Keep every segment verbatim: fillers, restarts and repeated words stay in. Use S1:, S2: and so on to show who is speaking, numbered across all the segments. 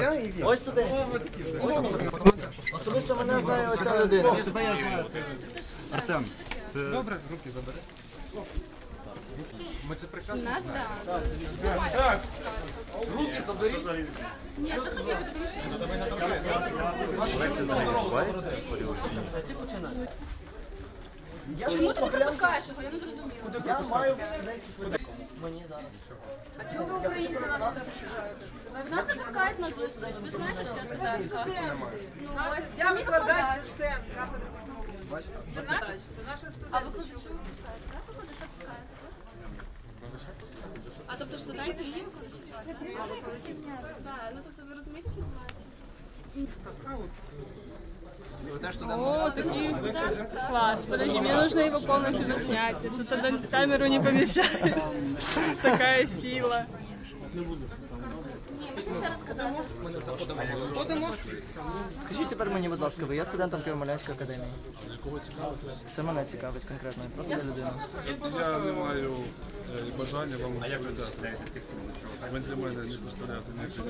S1: Я і він.
S2: Ось студент. Особисто мене знає оця людина.
S1: Тебе я знаю. Артем, це...
S3: Добре, руки забери. Ми це прекрасно
S4: Нас,
S3: знаємо.
S4: да.
S3: Так, руки заберіть.
S4: Нет, это хотя бы Чому ти не пропускаєш його? Я не зрозуміла.
S2: Я маю студентський квиток. Мені зараз.
S4: А чого ви українці нас не пропускаєте? Нас пропускають на зустріч. Ви знаєте, що я студентська? Ну, ось,
S5: Я
S4: мені
S5: викладач
S4: викладач.
S5: СТЕМ, кафедра патології. Це наш, це наша
S4: А
S5: студентка.
S4: викладачу пускаєте? Так, викладача пускаєте? А тобто студентів є викладачі? А, викладачі. Так, ну тобто ви розумієте, що відбувається?
S3: Ви теж туди
S6: О, такие класс. Подожди, мне нужно его полностью заснять. Тут тогда камеру не помещается. Такая сила.
S4: Ні, можна ще раз сказати.
S6: Будемо.
S2: Скажіть тепер мені, будь ласка, ви є студентом Києво-Могилянської академії? Це мене цікавить конкретно, я просто людина.
S7: Я не маю е, бажання вам відповідати. Ви для мене не представляєте ніякої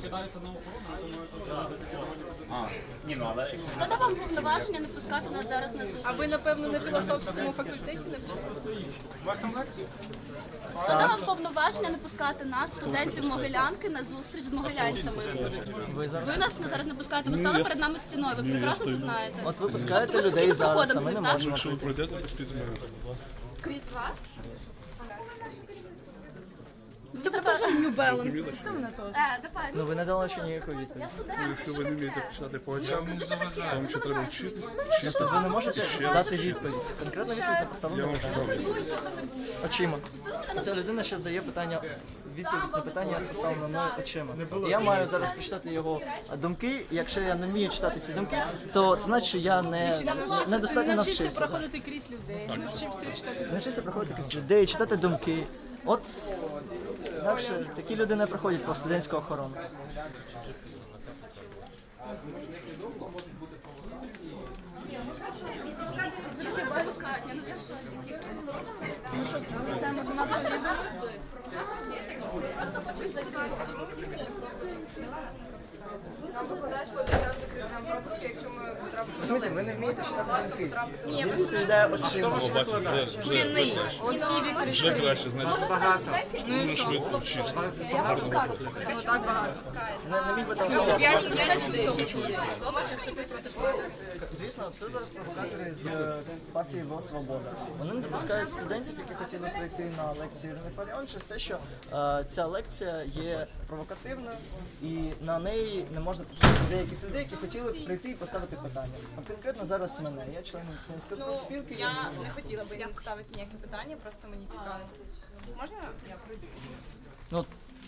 S7: цінності.
S4: Хто дав вам повноваження не пускати нас зараз на зустріч?
S6: А ви, напевно, на філософському факультеті навчилися?
S4: Хто дав вам повноваження не пускати нас, студентів Могилянки, на зустріч з могилянцями?
S2: Ви зараз...
S4: Ви нас зараз не пускаєте, ви стали перед нами стіною, ви прекрасно це знаєте.
S2: От ви
S4: Тобто
S2: пускаєте
S4: ви
S2: людей
S4: спокійно
S2: зараз, а
S4: проходимо
S2: ми
S4: з
S2: не
S4: ним, так?
S2: можемо.
S7: Якщо ви пройдете, то спіть мене.
S4: Крізь вас? Мені треба...
S6: New Balance.
S4: Е, давай.
S2: Ну ви не дали ще ніякої відповіді.
S4: Я студент,
S7: Якщо
S4: що
S7: ви не
S4: таке?
S7: вмієте писати по
S4: Ні,
S7: очам,
S4: скажи, що таке?
S7: вам
S4: Не
S7: ще треба
S4: заважайте
S7: вчитись.
S4: мені.
S2: Тобто ви не можете дати відповідь. Конкретно відповідь на
S7: Я
S2: поставлене
S7: вам
S2: питання.
S7: скажу.
S2: Очима. Ця людина ще здає питання, відповідь на питання поставлене мною очима. І я маю зараз прочитати його думки. Якщо я не вмію читати ці думки, то це значить, що я не, недостатньо
S6: Навчився
S2: навчився.
S6: проходити крізь людей. Навчився читати.
S2: Навчився проходити крізь людей, читати думки. От інакше такі люди не проходять по студентську охорону.
S4: Чому їх не пускають? Я не знаю, що. Ну, надо вже зараз би. Просто хочу запитати.
S5: Нам викладач пообіцяв закрити нам пропуск, якщо ми потрапимо.
S2: Розумієте, ви не вмієте читати думки.
S4: Ні,
S2: Він
S4: просто
S2: відповідає очима.
S7: О, бачите, вже, вже,
S5: Корінний. Олексій Вікторович
S7: вже краще, значить,
S5: багато.
S7: ну, швидко вчитися.
S5: Так багато.
S2: Не, не міг би там
S5: П'ять студентів, шість людей. Якщо ти просиш поїздити.
S2: Звісно, це зараз провокатори з е, партії ВО «Свобода». Вони не допускають студентів, які хотіли прийти на лекцію Ірини Фаріон, через те, що е, ця лекція є провокативною і на неї не можна пропустити деяких людей, які хотіли прийти і поставити питання. От конкретно зараз мене, я член студентської профспілки.
S6: Я не хотіла би ставити ніяке питання, просто мені цікаво. Можна я пройду?
S2: Ну,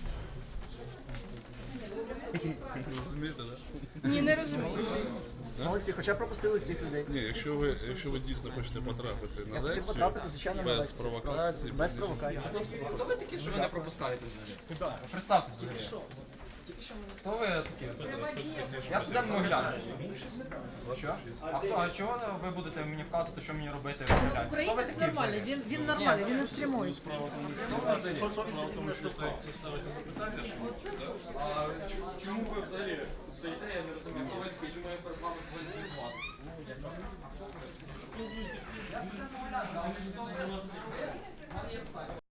S7: Розумієте, так?
S6: Ні, не розумію.
S2: молодці, хоча пропустили цих людей.
S7: Ні, якщо ви, якщо ви дійсно хочете потрапити на
S2: Я хотів
S7: лекцію,
S2: потрапити, звичайно, на
S7: без
S2: лекцію.
S7: провокації,
S2: Без провокації.
S3: Хто ви такі, що ви не пропускаєте взагалі? Куди? Представтесь взагалі. Хто ви такі? Я студент Могилянки. Що? А хто? А чого ви будете мені вказувати, що мені робити в Могилянці? Хто ви такі взагалі?
S5: Він, він нормальний, він не стримує.
S3: А чому ви взагалі стоїте, я не розумію, хто ви такі, чому я перед вами повинен звітувати?